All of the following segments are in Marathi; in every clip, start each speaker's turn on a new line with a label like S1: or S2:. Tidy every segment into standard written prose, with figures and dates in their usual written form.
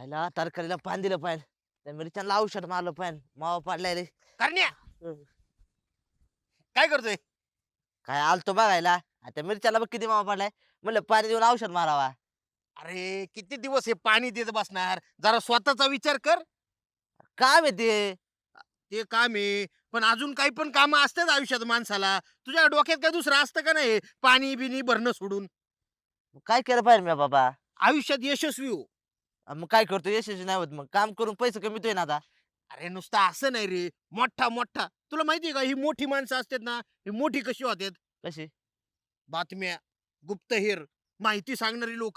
S1: आयला तरकारीला पान दिलं पाहिजे, त्या मिरच्यांना औषध मारलं पाहिजे, मावा पाडलाय रे.
S2: करण्या काय करतोय?
S1: काय आलतो बघायला, त्या मिरच्याला बघ किती मावा पडलाय. म्हणलं पाणी देऊन औषध मारावा.
S2: अरे किती दिवस हे पाणी देत बसणार, जरा स्वतःचा विचार कर.
S1: काम येते.
S2: ते काम आहे, पण अजून काही पण काम असतात आयुष्यात माणसाला. तुझ्या डोक्यात काय दुसरं असतं का नाही पाणी बिनी भरणं सोडून?
S1: काय केलं पाहिजे मी बाबा?
S2: आयुष्यात यशस्वी हो.
S1: मग काय करतो, यशस्वी नाही होत, मग काम करून पैसे कमीतोय ना आता.
S2: अरे नुसतं असं नाही रे, मोठा मोठा. तुला माहितीये का ही मोठी माणसं असतात ना, ही मोठी कशी होतात?
S1: कशी?
S2: बातम्या, गुप्तहेर, माहिती सांगणारी लोक.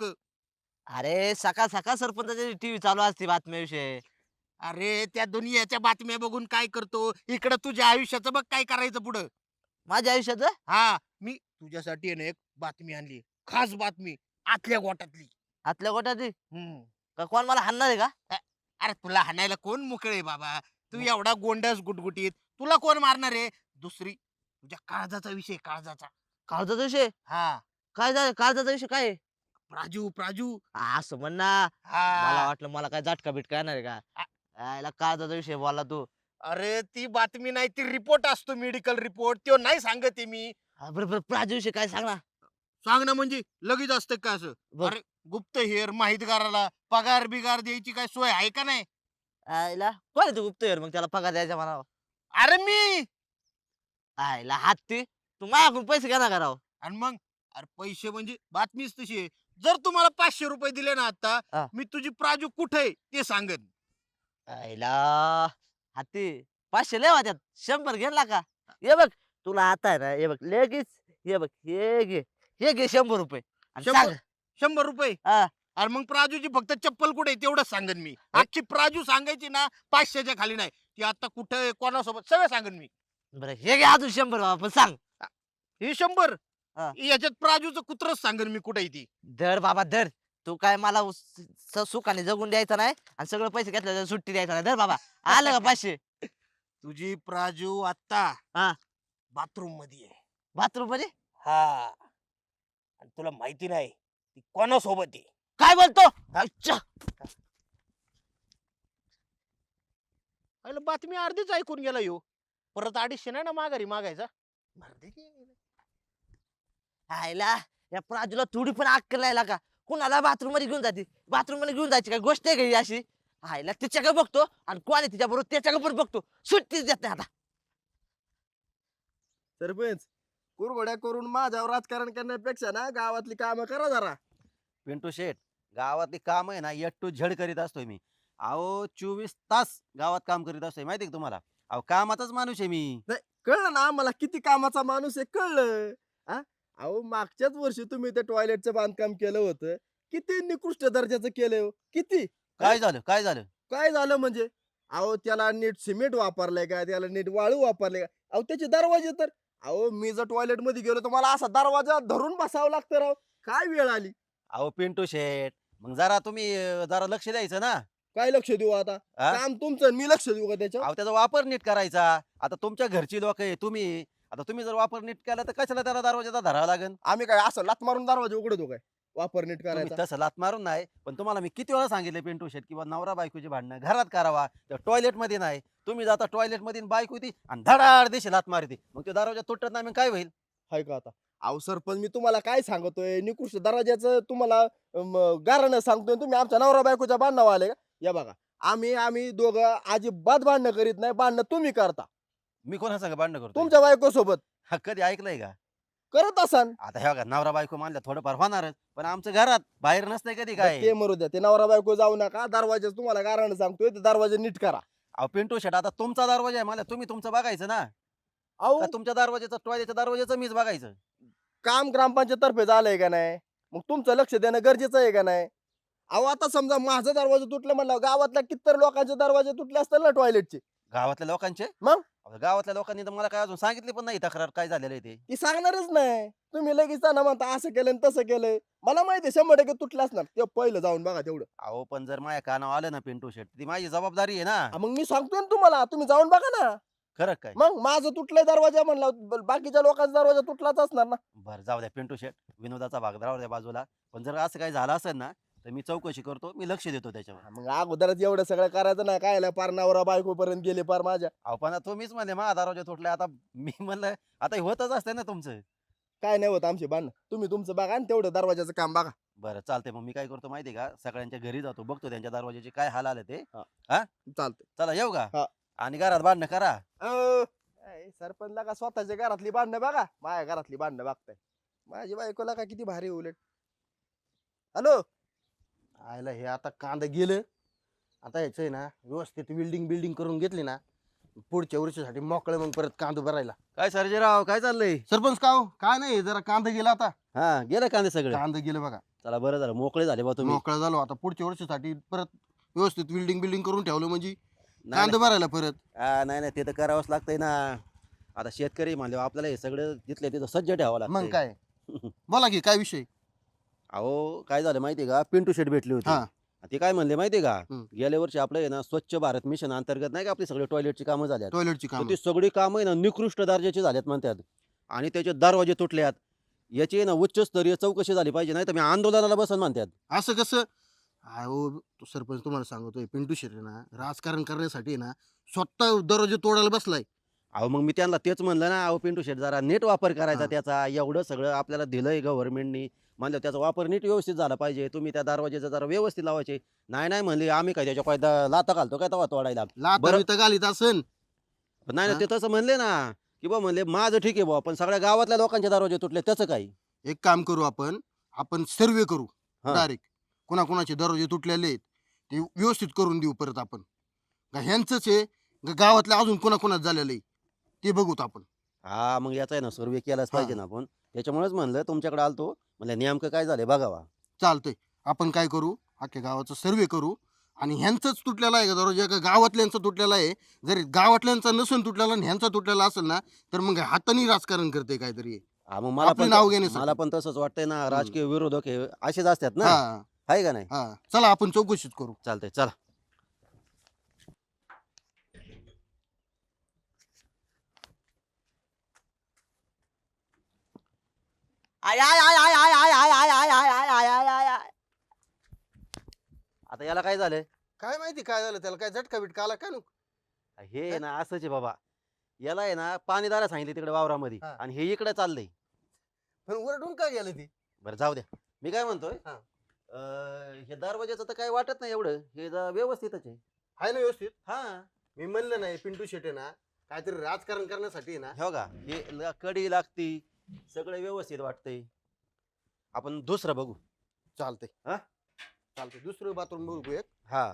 S1: अरे सकाळ सकाळ सरपंचाची टीव्ही चालू असते बातम्याविषयी.
S2: अरे त्या दुनियाच्या बातम्या बघून काय करतो, इकडं तुझ्या आयुष्याचं बघ काय करायचं पुढं.
S1: माझ्या आयुष्याचं.
S2: हा, मी तुझ्यासाठी आहे ना एक बातमी आणली, खास बातमी, आतल्या गोटातली.
S1: आतल्या गोट्याची.
S2: हम्म.
S1: का कोण मला हाणणार आहे का?
S2: अरे तुला हाणायला कोण मोकळे बाबा? तू एवढा गोंडस गुटगुटीत, तुला कोण मारणार आहे? दुसरी तुझ्या काळजाचा विषय, काळजाचा.
S1: काळजाचा विषय.
S2: हा,
S1: काय झालं, काळजाचा विषय काय आहे?
S2: प्राजू प्राजू.
S1: असं म्हण ना. मला
S2: हा.
S1: वाटलं मला काय झटका बिटका येणार आहे का. याला काळजाचा विषय बोलला तू.
S2: अरे ती बातमी नाही, ती रिपोर्ट असतो, मेडिकल रिपोर्ट, तो नाही सांगत आहे मी.
S1: बरं बरं, प्राजू विषय काय सांग ना.
S2: सांग ना, म्हणजे लगेच असतं का असं?
S1: बघ.
S2: अरे गुप्तहेर माहितगाराला पगार बिगार द्यायची काय सोय आहे का नाही?
S1: आयला कोण आहे तू गुप्तहेर, मग त्याला पगार द्यायचा म्हणावं.
S2: अरे मी.
S1: आयला हत्ती, तू माझ्याकडून पैसे घेणार का राव?
S2: आणि मग, अरे पैसे म्हणजे बातमीच तशी आहे. जर तुम्हाला 500 रुपये दिले ना आता,
S1: हा.
S2: मी तुझी प्राजू कुठे आहे ते सांगेन.
S1: आयला हत्ती, 500 लय होत्यात, 100 घेतला का? हे बघ, तुला आता आहे ना, हे बघ लगेच, हे बघ हे घे 100 रुपये आणि
S2: 100
S1: सांग.
S2: 100 रुपये.
S1: हा.
S2: अरे मग प्राजूची फक्त चप्पल कुठे आहे तेवढंच सांगेन मी. अख्खी प्राजू सांगायची ना, 500च्या खाली नाही. ती आता कुठे आहे, कोणासोबत, सगळं सांगेन मी.
S1: बरं हे घे अजून 100 बाबा, पण सांग.
S2: हे 100,
S1: हा.
S2: याच्यात प्राजूचं कुत्रच सांगेन मी कुठे आहे ती.
S1: धर बाबा धर. तू काय मला सुखाने जगून द्यायचं नाही आणि सगळं पैसे घेतलं सुट्टी द्यायचं नाही. धर बाबा, आलं का 500?
S2: तुझी प्राजू आता
S1: हा.
S2: बाथरूम मध्ये आहे.
S1: बाथरूम मध्ये.
S2: हा, आणि तुला माहिती नाही ती कोणासोबत आहे.
S1: काय बोलतो? अच्छा.
S2: अरे बातमी अर्धीच ऐकून गेला यो. परत 250 नाही ना माघारी मागायचा. मर्दे की.
S1: आयला या प्राजूला थोडी पण अक्कल नाही का? कुणाला बाथरूम मध्ये घेऊन जाते? बाथरूम मध्ये घेऊन जायची काय गोष्ट आहे का ही अशी? आयला तिच्याकडे बघतो आणि कोण आहे तिच्या बरोबर त्याच्याकडे पण बघतो, सुट्टीच देत नाही आता.
S3: सरपंच, कुरघोड्या करून माझ्यावर राजकारण करण्यापेक्षा ना गावातली कामं करा जरा.
S4: पिंटू शेठ, गावातली काम आहे ना एट टू झेड करीत असतोय मी. अहो 24 तास गावात काम करीत असतोय, माहिती का तुम्हाला? अहो कामाचाच माणूस आहे मी.
S3: नाही, कळलं ना मला किती कामाचा माणूस आहे, कळलं. हा, अहो मागच्याच वर्षी तुम्ही ते टॉयलेटचं बांधकाम केलं होतं. किती निकृष्ट दर्जाचं केलंय हो. किती.
S4: काय झालं, काय झालं?
S3: काय झालं म्हणजे? अहो त्याला नीट सिमेंट वापरलंय का, त्याला नीट वाळू वापरले का? अहो त्याचे दरवाजे तर, अहो मी जर टॉयलेट मध्ये गेलो तर मला असा दरवाजा धरून बसावं लागतं राव. काय वेळ आली.
S4: अहो पिंटू शेठ, मग जरा तुम्ही जरा लक्ष द्यायचं ना.
S3: काय लक्ष देऊ आता?
S4: हा?
S3: काम तुमचं आणि मी लक्ष देऊ का त्याच्यावर?
S4: अहो त्याचा वापर नीट करायचा. आता तुमच्या घरची लोक आहे तुम्ही, आता तुम्ही जर वापर नीट केला तर कशाला त्याला दरवाजाचा धरावा लागेल?
S3: आम्ही काय असं लात मारून दरवाजा उघडतो काय? वापर नीट
S4: तुम्ही
S3: करायचा.
S4: तसं लात मारून नाही, पण तुम्हाला मी किती वेळा सांगितलं पिंटू शेठ किंवा नवरा बायकोची भांडणं घरात करावा, त्या टॉयलेट मध्ये नाही. तुम्ही जाता टॉयलेट मध्ये बायको ती आणि धडाड दिशी लात मारते, मग तो दरवाजा तुटत नाही, मग काय होईल?
S3: हाय का आता? अहो सरपंच, मी तुम्हाला काय सांगतोय, निकृष्ट दर्जाचं तुम्हाला गारणं सांगतोय, तुम्ही आमच्या नवरा बायकोच्या भांडणावर आले का? या बघा, आम्ही दोघं अजिबात भांडणं करीत नाही. भांडणं तुम्ही करता
S4: मी कोणा संग भांडणं करतो?
S3: तुमच्या बायको सोबत.
S4: हा, कधी ऐकलंय का?
S3: करत असाल.
S4: आता हे बघा, नवरा बायको मानल्या थोडंफार होणारच, पण आमचं घरात बाहेर नसतंय कधी काय.
S3: ते मरू द्या, ते नवरा बायको जाऊ नका. दरवाजा तुम्हाला गारणं सांगतोय, ते दरवाजा नीट करा.
S4: अहो पिंटू शेट, आता तुमचा दरवाजा आहे, मला तुम्ही तुमचं बघायचं ना.
S3: अहो
S4: का तुमच्या दरवाजाचं टॉयलेटच्या दरवाजाचं मीच बघायचं?
S3: काम ग्रामपंचायत तर्फे झालंय का नाही? मग तुमचं लक्ष देणं गरजेचं आहे का नाही? अहो आता समजा माझा दरवाजा तुटलं म्हणलं, गावातल्या कितीतर लोकांचे दरवाजे तुटले असतील ना टॉयलेटचे.
S4: गावातल्या लोकांचे?
S3: मग?
S4: अहो, गावातल्या लोकांनी तर मला काय अजून सांगितली पण नाही तक्रार काय झालेलं आहे ते.
S3: ती सांगणारच नाही. तुम्ही लगेच त्यांना म्हणता असं केलं आणि तसं केलंय. मला माहिती आहे 100% तुटलं असणार. ते पहिलं जाऊन बघा तेवढं.
S4: अहो पण जर माझ्या कानावर आलं ना पिंटू शेट, ती माझी जबाबदारी आहे ना.
S3: मग मी सांगतोय ना तुम्हाला, तुम्ही जाऊन बघा ना.
S4: खरं काय?
S3: मग माझं तुटलंय दरवाजा म्हणलं, बाकीच्या लोकांचा दरवाजा तुटलाच असणार ना.
S4: बरं जाऊ द्या पिंटू शेट, विनोदाचा भाग राहू द्या बाजूला. पण जर असं काही झालं असेल ना, तर मी चौकशी करतो, मी लक्ष देतो त्याच्यावर.
S3: मग अगोदरच एवढं सगळं करायचं ना, काय पार नवरा बायको पर्यंत गेले पार माझ्या.
S4: अहो पण तुम्हीच म्हणे माझा दरवाजा तुटलाय, आता मी म्हणलं आता हे होतच असते ना तुमचं.
S3: काय नाही होत आमचे भांडण, तुम्ही तुमचं बघा आणि तेवढं दरवाजाचं काम बघा.
S4: बरं चालतंय, मग मी काय करतो माहितीये का, सगळ्यांच्या घरी जातो, बघतो त्यांच्या दरवाजाचे काय हाल आले ते.
S3: चालतंय.
S4: चला येऊ का?
S3: हा.
S4: आणि घरात भांडणं करा.
S3: सरपंचला का स्वतःच्या घरातली भांडणं बघा, माझ्या घरातली भांडणं बघताय. माझी बायकोला का किती भारी उलट. हॅलो, आयला हे आता कांदा गेलं, आता ह्याचं आहे ना व्यवस्थित बिल्डिंग करून घेतली ना, पुढच्या वर्षीसाठी मोकळे मग परत कांदा भरायला.
S4: काय सर्जेराव, काय चाललंय?
S3: सरपंच का हो? काय नाही, जरा कांदा गेला आता.
S4: हा, गेलं कांदे सगळे?
S3: कांदा गेलं बघा.
S4: चला बरं झालं, मोकळे झाले बा तुम्ही.
S3: मोकळा झालो आता, पुढच्या वर्षीसाठी परत व्यवस्थित बिल्डिंग करून ठेवलं म्हणजे
S4: नाही,
S3: कांदा भरायला परत.
S4: नाही नाही, ते तर करावंच लागतंय ना. आता शेतकरी म्हणले आपल्याला हे सगळं तिथल्या तिथं सज्ज ठेवावं लागतं.
S3: मग काय बोला की, काय विषय?
S4: अहो काय झालं माहितीये का, पिंटू शेट भेटली होती.
S3: हा.
S4: ते काय म्हणले माहितीये का,
S3: हम्म.
S4: गेल्या वर्षी आपलं आहे ना स्वच्छ भारत मिशन अंतर्गत नाही का आपली सगळी टॉयलेटची कामं झाल्यात,
S3: टॉयलेटची
S4: तर
S3: काम.
S4: ती सगळी कामं आहे ना निकृष्ट दर्जाची झाल्यात म्हणतात, आणि त्याचे दरवाजे तुटल्यात. याची आहे ना उच्चस्तरीय चौकशी झाली पाहिजे, नाही तर मी आंदोलनाला बसन म्हणतात.
S3: असं कसं? अहो तो सरपंच तुम्हाला सांगतोय, पिंटू शेट्टी ना राजकारण करण्यासाठी ना स्वतः दरवाजे तोडायला बसलाय.
S4: अहो मग मी त्यांना तेच म्हणलं ना, अहो पिंटू शेट जरा नीट वापर करायचा
S3: हा.
S4: त्याचा, एवढं सगळं आपल्याला दिलंय गव्हर्नमेंटनी, म्हणलं त्याचा वापर नीट व्यवस्थित झाला पाहिजे. तुम्ही त्या दरवाजेचा जरा व्यवस्थित लावायचे. नाही म्हणले आम्ही काय त्याच्या पायदा लाता घालतो काय तेव्हा तोडायला.
S3: लाता
S4: बरं.
S3: बिता घालीत असन.
S4: पण नाही ना,
S3: हा?
S4: ते तसं म्हणले ना, की बा म्हणले माझं ठीक आहे बुवा, पण सगळ्या गावातल्या लोकांचे दरवाजे तुटले त्याचं काही.
S3: एक काम करू, आपण सर्वे करू
S4: हा.
S3: डायरेक्ट, कोणाकोणाचे दरवाजे तुटलेले आहेत ते व्यवस्थित करून देऊ परत आपण. का ह्यांचंच आहे का गावातल्या अजून कोणाकोणाच झालेलं आहे ते बघूत आपण.
S4: हा मग याचा आहे ना सर्वे केलाच पाहिजे
S3: हा.
S4: ना आपण. त्याच्यामुळेच म्हणलं तुमच्याकडे आलतो, म्हणलं नेमकं काय झालंय बघावा.
S3: चालतंय, आपण काय करू, अख्ख्या गावाचा सर्वे करू आणि ह्यांचाच तुटलेला आहे का दरवाजा का गावातल्यांचा तुटलेला आहे. जर गावातल्यांचा नसून तुटलेला आणि ह्यांचा तुटलेला असेल ना, तर मग हाताने राजकारण करते काहीतरी.
S4: हा मग मला
S3: आपली
S4: पण
S3: नाव घेण्यासाठी.
S4: मला पण तसंच वाटतंय ना, राजकीय विरोधक हे असेच असतात ना,
S3: हा
S4: आहे का नाही?
S3: हा, चला आपण चौकशीच करू.
S4: चालतंय चला.
S1: आय आय आय आय आय आय आय आय आय आय आय आय आय आय आय.
S4: आता याला काय झालंय?
S3: काय माहिती काय झालं त्याला, काय झटका बिटका आला काय नु?
S4: हे आहे ना असंच आहे बाबा, याला आहे ना पाणी दारा सांगितले तिकडे वावरामध्ये,
S3: हा.
S4: आणि हे इकडे चाललंय.
S3: पण वरडून काय गेलं ती?
S4: बरं जाऊ द्या, मी काय म्हणतोय,
S3: हा.
S4: हे दरवाजाचं तर काही वाटत नाही एवढं, हे व्यवस्थितच आहे.
S3: आहे ना व्यवस्थित?
S4: हा
S3: मी म्हणलं नाही पिंटू शेटे ना काहीतरी राजकारण करण्यासाठी ना.
S4: हे बघा, हे कडी लागती, सगळं व्यवस्थित वाटतंय. आपण दुसरं बघू.
S3: चालतंय
S4: हा?
S3: चालतंय, दुसरं बाथरूम बघू एक.
S4: हा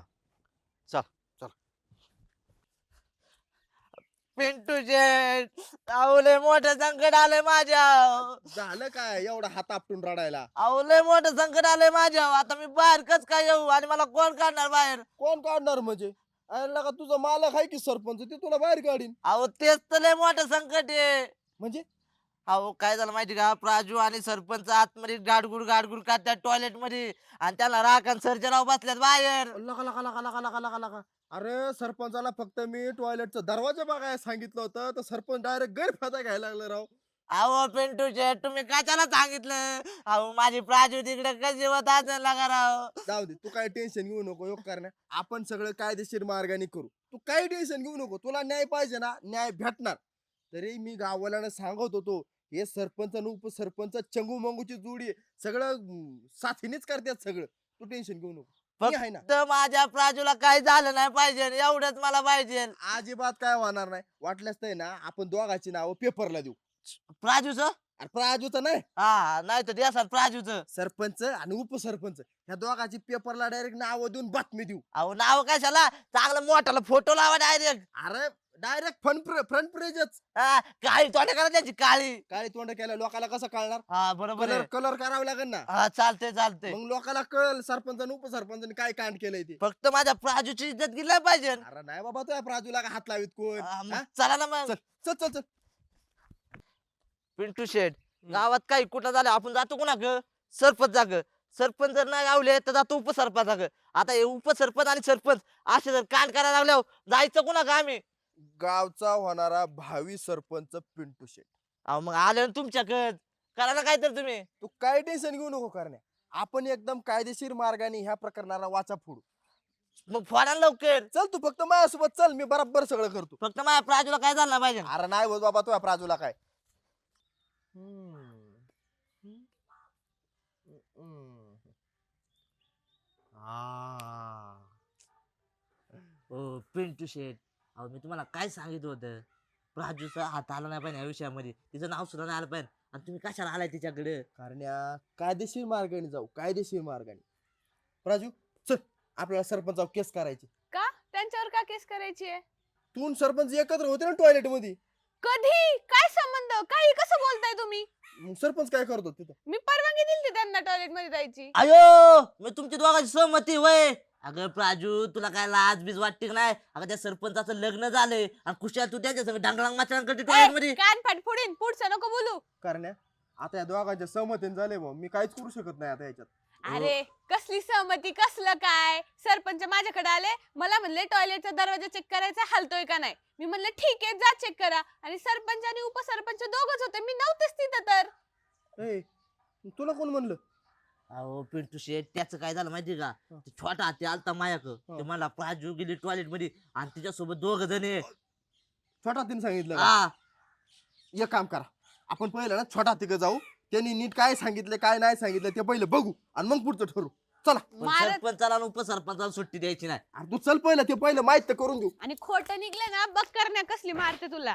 S1: पिंटू शेट, लय मोठं संकट आलंय माझ्या.
S3: झालं काय एवढा हात आपटून रडायला?
S1: लय मोठं संकट आलंय माझ्या. आता मी बाहेर कस काय येऊ आणि मला कोण काढणार बाहेर?
S3: कोण काढणार म्हणजे? अरे का तुझा मालक आहे की सरपंच, ते तुला बाहेर काढीन.
S1: तेच तर लय मोठं संकट आहे.
S3: म्हणजे
S1: काय झालं माहिती का, प्राजू आणि सरपंच आतमध्ये गाडगुड काढतात टॉयलेट मध्ये, आणि त्याला राख आणि सर्जराव बसल्यात बाहेर.
S3: लका लका लका लका लका लका लका. अरे सरपंचाला फक्त मी टॉयलेटचा दरवाजा बघायला सांगितलं होतं, तर सरपंच डायरेक्ट गैरफायदा घ्यायला लागला राव.
S1: पिंटू शेट, तुम्ही कशाला सांगितलं? माझी प्राजू तिकडे कशी होत असेल लागा राव.
S3: जाऊ दे, तू काय टेन्शन घेऊ नको. योग करण्या आपण सगळं कायदेशीर मार्गाने करू, तू काही टेन्शन घेऊ नको. तुला न्याय पाहिजे ना, न्याय भेटणार. तरी मी गाववाल्यानं सांगत होतो, हे सरपंच आणि उपसरपंच चंगू मंगूची जोडी आहे, सगळं साथीनेच करतात सगळं. तू टेन्शन घेऊ नको, मी आहे ना.
S1: फक्त माझ्या प्राजूला काही झालं नाही पाहिजे, एवढंच मला पाहिजे.
S3: अजिबात काय होणार नाही. वाटल्यास नाही ना, आपण दोघांची नावं पेपरला देऊ.
S1: प्राजूच?
S3: अरे प्राजूचं नाही,
S1: हा, नाही तर द्या सर प्राजूच.
S3: सरपंच आणि उपसरपंच ह्या दोघांची पेपरला डायरेक्ट नाव देऊन बातमी देऊ.
S1: नाव कशाला, चांगलं मोठाला फोटो लावा डायरेक्ट.
S3: अरे डायरेक्ट फ्रंट पेजच.
S1: काळी तोंड करा त्याची, काळी.
S3: काळी तोंड केल्या लोकांना कसं कळणार?
S1: हा बरोबर
S3: कलर
S1: आहे.
S3: कलर करावं लागेल ना.
S1: हा चालते.
S3: मग लोकांना कळल सरपंच आणि उपसरपंचाने काय कांड केलंय ते.
S1: फक्त माझ्या प्राजूची इज्जत गेली पाहिजे.
S3: अरे नाही बाबा, तुझ्या प्राजूला का हात लावित कोण?
S1: मग
S3: हा?
S1: चला ना मग.
S3: चल चल चल.
S1: पिंटू शेठ, गावात काही कुठं झालं आपण जातो कुणा ग? सरपंच जाग. सरपंच जर नाही गावले तर जातो उपसरपंच जाग. आता हे उपसरपंच आणि सरपंच असे जर कांड करायला लागल्यावर जायचं कुणा का आम्ही?
S3: गावचा होणारा भावी सरपंच पिंटू शेट.
S1: मग आले ना तुमच्याकडे, करा ना काय तर तुम्ही.
S3: तू काय टेन्शन घेऊ नको करण्या. आपण एकदम कायदेशीर मार्गाने ह्या प्रकरणाला वाचा फोडू.
S1: मग फोडा ना लवकर.
S3: चल तू फक्त माझ्यासोबत चल, मी बरोबर सगळं करतो.
S1: फक्त माझ्या प्राजूला काय झालं नाही पाहिजे.
S3: अरे नाही होत बाबा तुझ्या प्राजूला काय.
S1: ओ पिंटू शेट, अहो मी तुम्हाला काय सांगितलं होतं, प्राजूचा हात आला नाही पाहिजे या विषयामध्ये, तिचं नाव सुद्धा नाही आलं पाहिजे, आणि तुम्ही कशाला आलाय तिच्याकडे.
S3: कारण कायदेशीर मार्गाने जाऊ, कायदेशीर मार्गाने. प्राजू चल, आपल्याला सरपंचावर केस करायची.
S5: का त्यांच्यावर का केस करायची आहे?
S3: तू आणि सरपंच एकत्र होते ना टॉयलेट मध्ये.
S5: कधी? काय संबंध? काही कसं बोलताय तुम्ही?
S3: मग सरपंच काय करतो तिथं?
S5: मी परवानगी दिली त्यांना टॉयलेट मध्ये जायची.
S1: अयो, मी तुमची दोघांची सहमती वय. अगं प्राजू, तुला काय लाज बीज वाटते का नाही? अगं त्या सरपंचाचं लग्न झालंय आणि खुशाल तू त्यांच्या संग डांगळांग माचरांग करते टॉयलेट मध्ये.
S5: कान फाट फोडीन, पुढचं नको बोलू.
S3: कारण आता या दोघांच्या सहमतीने झाले भाऊ, मी काहीच करू शकत नाही आता याच्यात.
S5: अरे कसली सहमती, कसलं काय? सरपंच माझ्याकडे आले, मला म्हणले टॉयलेटचा दरवाजा चेक करायचा, हलतोय का नाही. मी म्हणले ठीक आहे, जा चेक करा. आणि सरपंच आणि उपसरपंच दोघच होते, मी नव्हतेच तिथं तर.
S3: ए, तुला कोण म्हणलं?
S1: अहो पिंटू शेट, त्याचं काय झालं माहिती का, ते छोटा हाती आलता मायाक, ते मला प्राजू गेली टॉयलेट मध्ये आणि तिच्यासोबत दोघ जण आहे.
S3: छोटा तिने सांगितलं का?
S1: हा,
S3: एक काम करा, आपण पहिलं ना छोटा तिकडे जाऊ, त्यांनी नीट काय सांगितलं काय नाही सांगितलं ते पहिलं बघू आणि मग पुढचं ठरू. चला.
S1: पण
S5: मारत
S1: सरपंचाला आणि उपसरपंचाला सुट्टी द्यायची नाही.
S3: अरे तू चल पहिलं, ते पहिलं माहित तर करून देऊ.
S5: आणि खोटं निघलं ना, बघ करण्या कसली मारते तुला.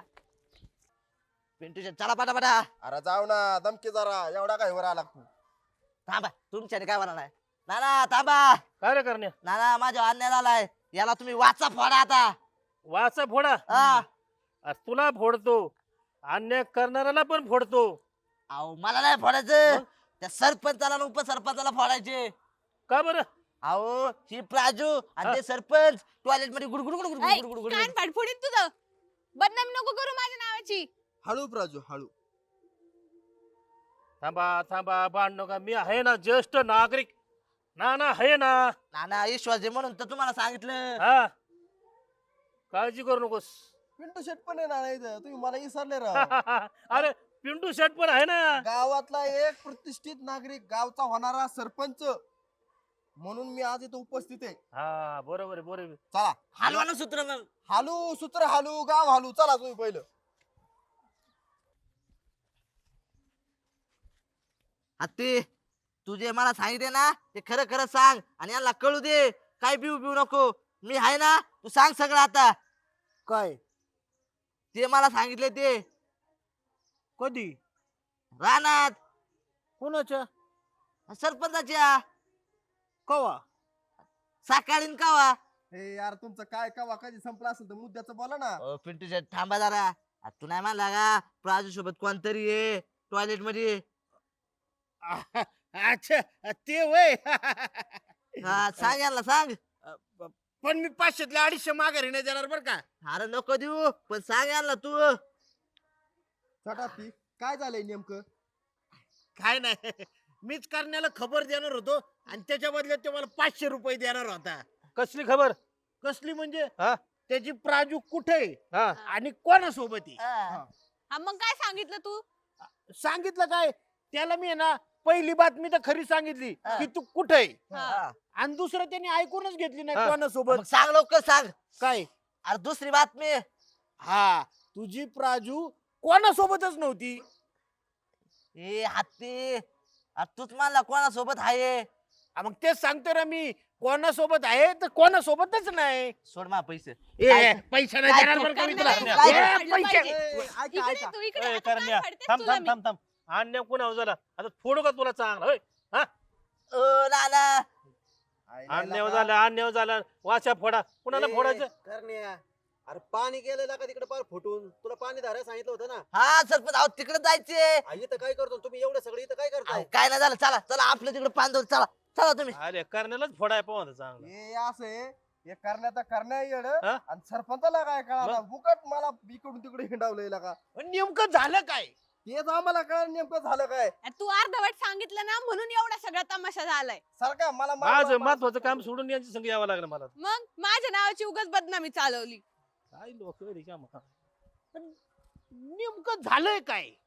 S1: पिंटू शेट चला पटापटा.
S3: अरे जाऊ ना, दमके जरा, एवढा काय वर आला तू.
S1: थांबा, तुमच्याने काय म्हणा नाही. नाना थांबा.
S6: काय रे करण्या?
S1: नाना, माझ्या अन्याय झालाय, याला तुम्ही वाचा फोडा आता.
S6: वाचा फोडा.
S1: हा.
S6: अरे तुला फोडतो, अन्याय करणाऱ्याला पण फोडतो.
S1: अहो मला नाही फोडायचं, त्या सरपंचाला आणि उपसरपंचाला फोडायचे.
S6: का बरं?
S1: अहो ही प्राजू आणि ते सरपंच टॉयलेट मध्ये गुडगुड गुडगुड
S5: ऐ,
S1: गुडगुड गुडगुड
S5: कान फाट फोडीन तुझं. बदनामी नको करू माझ्या नावाची.
S3: हळू प्राजू हळू.
S6: थांबा थांबा, भांड नका, मी आहे ना ज्येष्ठ नागरिक. ना ना आहे ना.
S1: नाना विश्वास आहे म्हणून तर तुम्हाला सांगितलं.
S6: हा, काळजी करू नकोस.
S3: पिंटू शेट पण आहे ना इथं, तुम्ही मला विसरले राव.
S6: अरे पिंटू शेट पण आहे ना.
S3: गावातला एक प्रतिष्ठित नागरिक, गावचा होणारा सरपंच म्हणून मी आज इथं उपस्थित आहे.
S6: हा बरोबर आहे, बरोबर.
S3: चला
S1: हलवा ना सूत्र मग.
S3: हालू, सूत्र हालू, गाव हालू. चला तुम्ही पहिलं.
S1: हत्ती, तू जे मला सांगितले ना ते खरं खरं सांग आणि यांना कळू दे. काय पिऊ पिऊ नको. मी आहे ना, तू सांग सगळं आता.
S3: काय?
S1: ते मला सांगितले ते
S6: कधी?
S1: रानात
S6: कोणाच्या?
S1: सरपंचाच्या
S6: कवा?
S1: सकाळी न कावा.
S3: हे यार तुमचं काय कवा कधी संपला असेल तर मुद्द्याचं बोला ना.
S1: पिंटू शेट थांबा जरा. आ, तू नाही म्हणला का प्राजू सोबत कोणतरी आहे टॉयलेट मध्ये.
S2: अच्छा, ते वय.
S1: हा, सांग यांना सांग.
S2: पण मी 500तले 250 माघारी नाही देणार बर का.
S1: अरे नको देऊ, पण सांग यांना तू.
S3: छोटा ती काय झालंय नेमकं?
S2: काय नाही, मीच करण्याला खबर देणार होतो आणि त्याच्या बदल्यात ते मला 500 रुपये देणार होता.
S6: कसली खबर?
S2: कसली म्हणजे?
S6: हा?
S2: त्याची प्राजू कुठे
S6: हा.
S2: आणि कोणासोबत आहे.
S1: हा.
S5: हा मग काय सांगितलं तू?
S2: सांगितलं काय त्याला मी आहे ना, पहिली बातमी तर खरी सांगितली
S1: हा.
S2: की तू कुठे
S1: हा.
S2: आणि दुसरं त्यांनी ऐकूनच घेतली नाही
S6: हा.
S2: कोणासोबत.
S1: मग सांग लवकर सांग.
S2: काय?
S1: अरे दुसरी बातमी.
S2: हा, तुझी प्राजू कोणासोबतच नव्हती.
S1: ए हत्ती, अरे तूच म्हणला कोणासोबत आहे.
S2: मग तेच सांगतो ना मी, कोणासोबत आहे तर कोणासोबतच नाही.
S1: सोड मा पैसे.
S2: ए, पैसा नाही
S1: काय
S2: देणार
S1: तू-
S2: बरं का मी
S5: करण्या,
S2: तुला.
S1: काय
S2: ए,
S5: फाडलं
S2: पैसे.
S5: पाहिजे.
S3: ऐका
S5: इकडे
S3: ऐका.
S5: तू इकडे.
S6: ए,
S5: आता कान
S6: करण्या,
S5: फाडतेस
S6: थांब
S5: तुला
S6: थांब
S5: मी.
S6: थांब थांब. अन्याय कुणावर झाला? आता फोडू का तुला चांगला? होय,
S1: ओ नाना.
S6: अन्याय झाला, अन्याय झाला. वाचा फोडा. कुणाला फोडायचं?
S4: करण्या, अरे पाणी गेलेलं का तिकडे पार फुटून? तुला पाणी धारायला सांगितलं होतं ना.
S1: हा सरपंच, अहो तिकडे जायचे.
S4: इथं काय करतो तुम्ही? एवढं सगळं इथं काय करताय?
S1: काय नाही झालं, चला चला आपलं तिकडे पांदव. चला चला तुम्ही.
S6: अरे करण्यालाच फोडाय पाहू चांगलं.
S3: हे असं आहे, हे करण्याचा करण्या येड
S6: हा?
S3: आणि सरपंचाला काय कळा फुकट मला इकडून तिकडे हिंडावलंय का.
S2: पण नेमकं झालं काय?
S3: तेच आम्हाला कळ नेमकं झालं काय.
S5: अरे तू अर्धवट सांगितलं ना, म्हणून एवढा सगळा तमाशा झालाय.
S3: सारखा मला
S6: माझं महत्वाचं काम सोडून यांच्या संग यावं लागलं मला.
S5: मग माझ्या नावाची उगाच बदनामी चालवली.
S6: काय लोक
S2: पण नेमकं झालंय काय?